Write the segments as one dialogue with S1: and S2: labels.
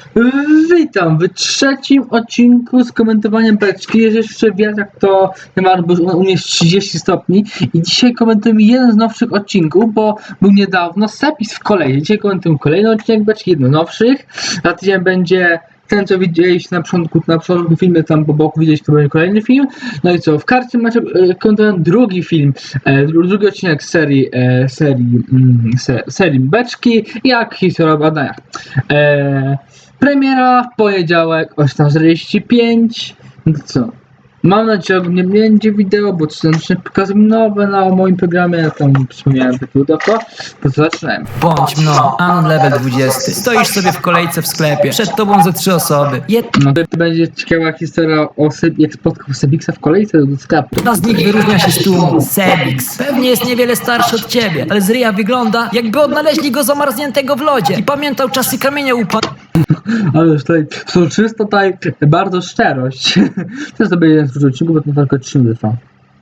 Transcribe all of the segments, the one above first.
S1: Witam w trzecim odcinku z komentowaniem beczki. Jeżeli jeszcze wiatrak, to nie ma, bo u mnie jest 30 stopni i dzisiaj komentujemy jeden z nowszych odcinków, bo był niedawno Sepix w kolei. Dzisiaj komentujemy kolejny odcinek beczki, jeden z nowszych. Za tydzień będzie ten, co widzieliście na początku filmu, tam po boku widzieliście, to będzie kolejny film. No i co, w karcie macie komentowany drugi film, drugi odcinek serii beczki, jak historia badania. Premiera w poniedziałek o 18:45. No co? Mam nadzieję, że nie będzie wideo, bo to pokazuję nowe na moim programie, tam wspomniałem takiego dawno, to zaczynałem.
S2: Bądź mną, Anon level 20. Stoisz sobie w kolejce w sklepie, przed tobą ze 3 osoby.
S1: No to będzie ciekawa historia jak spotkał Sebixa w kolejce do sklepu.
S2: Jedna z nich wyróżnia się z tłumu. Sebix. Pewnie jest niewiele starszy od ciebie, ale z ryja wygląda, jakby odnaleźli go zamarzniętego w lodzie i pamiętał czasy kamienia
S1: Ale już tutaj soczysto, tutaj bardzo szczerość. To sobie jeden z odcinków, bo to tylko 3 trwa.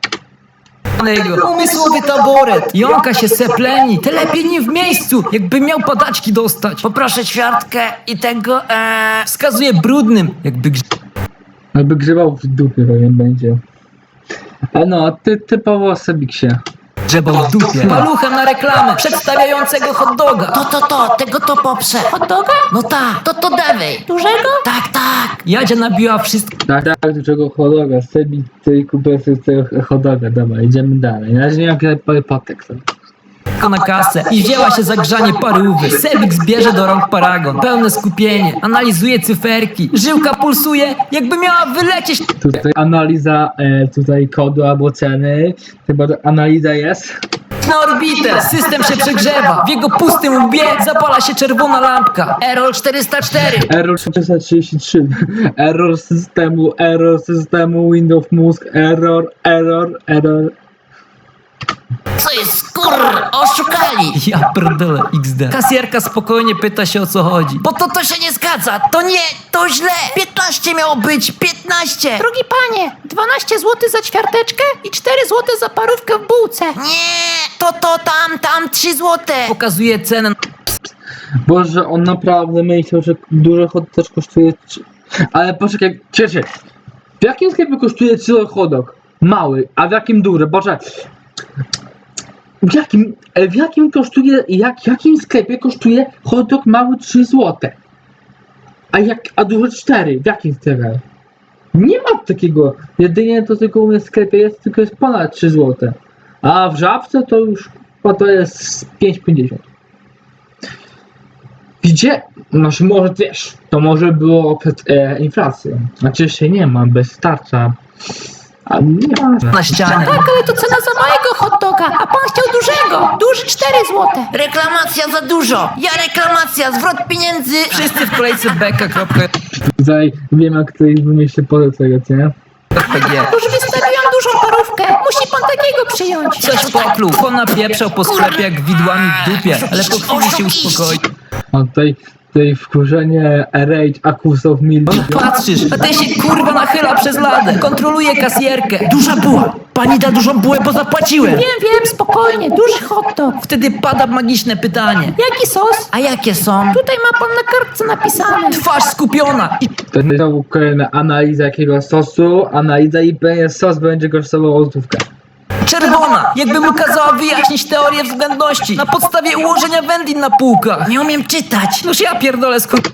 S2: umysłowy taboret. Jąka się sepleni, te lepiej nie w miejscu, jakby miał padaczki dostać. Poproszę ćwiartkę i tego, wskazuje brudnym,
S1: Jakby grzebał w dupie, pewnie będzie. A no, typowo Sebixie.
S2: grzebał w dupie. Paluchem na reklamę przedstawiającego hot doga.
S3: Tego to poprze. Hot doga? No tak, to dawaj. Dużego? Tak.
S2: Jadzia nabiła wszystko
S1: Tak, do czego hodoga, Sebix tej kupy tego hodoga, dobra, idziemy dalej. Na razie nie mam kiedy podtekst.
S2: na kasę i wzięła się za grzanie parówy. Sebix bierze do rąk paragon. Pełne skupienie. Analizuje cyferki. Żyłka pulsuje, jakby miała wylecieć.
S1: Tutaj analiza tutaj kodu albo ceny. Chyba analiza jest.
S2: Na orbitę. System się przegrzewa. W jego pustym łbie zapala się czerwona lampka.
S3: Error 404.
S1: Error 433. Error systemu, Windows mózg, error.
S3: Co jest oszukali.
S2: Ja pierdolę XD. Kasjerka spokojnie pyta się, o co chodzi.
S3: Bo to się nie zgadza. To nie, to źle. 15 miało być, 15.
S4: Drogi panie, 12 zł za ćwiarteczkę i 4 zł za parówkę w bułce.
S3: Nie, tam 3 złote.
S2: Pokazuje cenę.
S1: Boże, on naprawdę myślał, że duży hot też kosztuje... Ale poczekaj, cieszę. W jakim sklepie kosztuje 3 hot dog? Mały, a w jakim duży? Boże... W jakim sklepie kosztuje hot dog mały 3 zł? A duży 4? W jakim sklepie? Nie ma takiego. Jedynie to tylko u mnie w sklepie jest ponad 3 zł. A w Żabce to już to jest 5,50. Gdzie? Znaczy może wiesz, to może było przed inflacją. Znaczy się nie ma, bez tarcza. A nie ma.
S2: Na ścianie.
S4: Tak, ale to cena za małego hot doga, a pan chciał dużego. Duży 4 zł.
S3: Reklamacja za dużo. Reklamacja, zwrot pieniędzy.
S2: Wszyscy w kolejce beka.pg.
S1: Tutaj wiem jak tutaj wymyślę po tego, nie?
S4: Już wystawiłam dużą parówkę. Musi pan takiego przyjąć.
S2: Coś pokluł. On napieprzał po sklepie jak widłami w dupie, ale po chwili się uspokoi.
S1: A tutaj wkurzenie Rage Accused Milk.
S2: Patrzysz, a ten się kurwa nachyla przez ladę. Kontroluje kasjerkę. Duża buła. Pani da dużą bułę, bo zapłaciłem.
S4: Wiem, spokojnie, duży hot dog.
S2: Wtedy pada magiczne pytanie.
S4: Jaki sos?
S3: A jakie są?
S4: Tutaj ma pan na kartce napisane.
S2: Twarz skupiona. I
S1: To jest znowu kolejna analiza jakiego sosu. Analiza i sos będzie kosztował złotówkę.
S2: czerwona. Jakby mu kazała wyjaśnić teorię względności na podstawie ułożenia wędlin na półkach.
S3: Nie umiem czytać.
S2: Noż ja pierdolę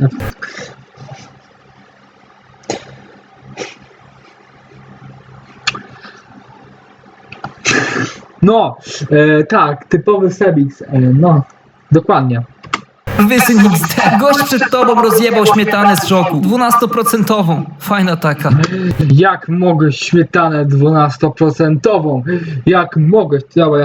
S1: No, tak, typowy Sebix. No, dokładnie.
S2: Wysyn XD. Gość przed tobą rozjebał śmietanę z szoku. 12%. Fajna taka.
S1: Jak mogę śmietanę 12%? Jak mogę? Dobra,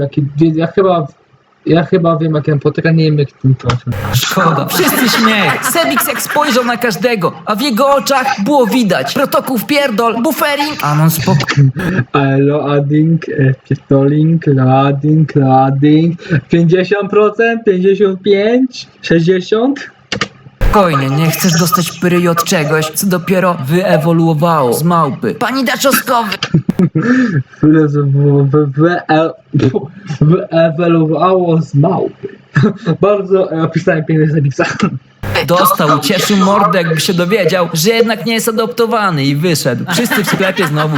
S1: ja chyba wiem jak ten potyka, nie wiem jak ten procent.
S2: Szkoda. Wszyscy śmiech. Sebix jak spojrzał na każdego, a w jego oczach było widać. Protokół wpierdol, buffering. Anon spokój.
S1: Loading, pistoling, loading. 50%, 55%, 60%.
S2: Spokojnie, nie chcesz dostać pyry od czegoś, co dopiero wyewoluowało z małpy.
S3: Pani da czosnkowy.
S1: Wyewoluowało z małpy. Bardzo opisałem piękny Sebixa.
S2: Dostał, cieszył mordę, jakby się dowiedział, że jednak nie jest adoptowany i wyszedł. Wszyscy w sklepie znowu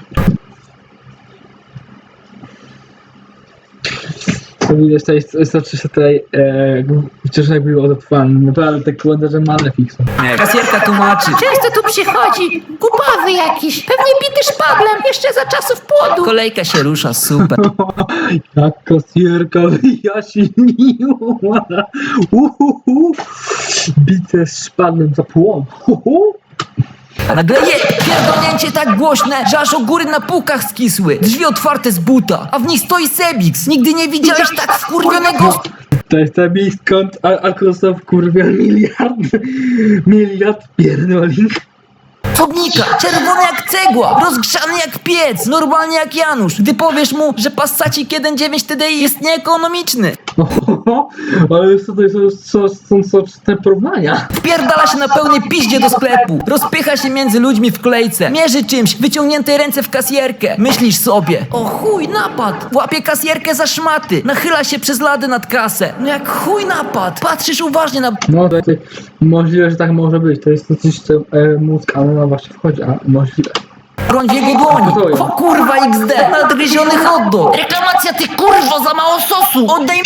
S1: To widać, to się tutaj wciąż jak był adoptowany. Naprawdę tak wygląda, że ma fiksą.
S2: Kasjerka tłumaczy.
S4: Często tu przychodzi, głupawy jakiś, pewnie bity szpaglem, jeszcze za czasów płodu.
S2: Kolejka się rusza, super.
S1: Jak kasjerka wyjaśniła. Bite z szpadłem za płon.
S2: A nagle pierdolnięcie tak głośne, że aż o góry na półkach skisły. Drzwi otwarte z buta, a w nich stoi Sebix. Nigdy nie widziałeś tak wkurwionego...
S1: To jest ten miejsc, skąd Alkosow kurwa miliard pierdolin.
S2: Osobnika, czerwony jak cegła, rozgrzany jak piec, normalnie jak Janusz. Gdy powiesz mu, że Passacik 1.9 TDI jest nieekonomiczny.
S1: Ale to są te porównania.
S2: Wpierdala się na pełnej piździe do sklepu. Rozpycha się między ludźmi w kolejce. Mierzy czymś, wyciągniętej ręce w kasjerkę. Myślisz sobie, o chuj, napad. Łapie kasjerkę za szmaty. Nachyla się przez lady nad kasę. No jak chuj napad. Patrzysz uważnie na...
S1: No to możliwe, że tak może być. To jest coś, co mózg, ale no właśnie wchodzi, a możliwe.
S2: broń w jego dłoni. O kurwa XD, nadgryziony hot dog.
S3: Reklamacja, ty kurwo, za mało sosu!
S2: Oddaj...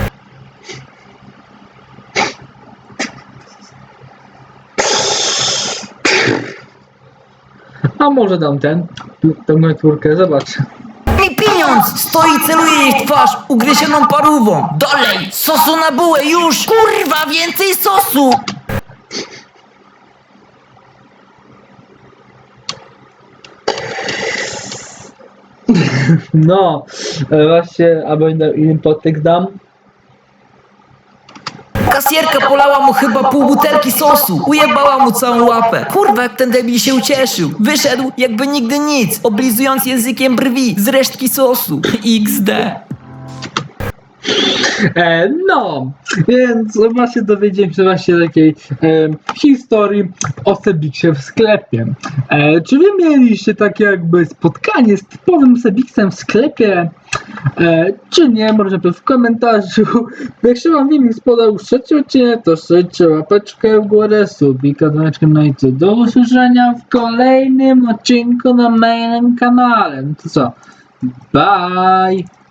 S1: A może dam tę networkę, zobacz.
S2: mi pieniądz! Stoi i celuje jej w twarz ugryzioną parówą.
S3: Dolej! Sosu na bułę, już! Kurwa, więcej sosu!
S1: No, właśnie, albo inny podtekst dam.
S2: Kasjerka polała mu chyba pół butelki sosu. Ujebała mu całą łapę. Kurwa, jak ten debil się ucieszył. Wyszedł jakby nigdy nic, oblizując językiem brwi z resztki sosu. XD.
S1: No, więc właśnie dowiedziałem się właśnie takiej historii o Sebiksie w sklepie. Czy wy mieliście takie jakby spotkanie z typowym Sebiksem w sklepie? Czy nie? Może w komentarzu. Jak się wam filmik spodobał trzeci odcinek, to strzelcie łapeczkę w górę, subika, dzwoneczkiem na YouTube. Do usłyszenia w kolejnym odcinku na moim kanale. No to co? Bye!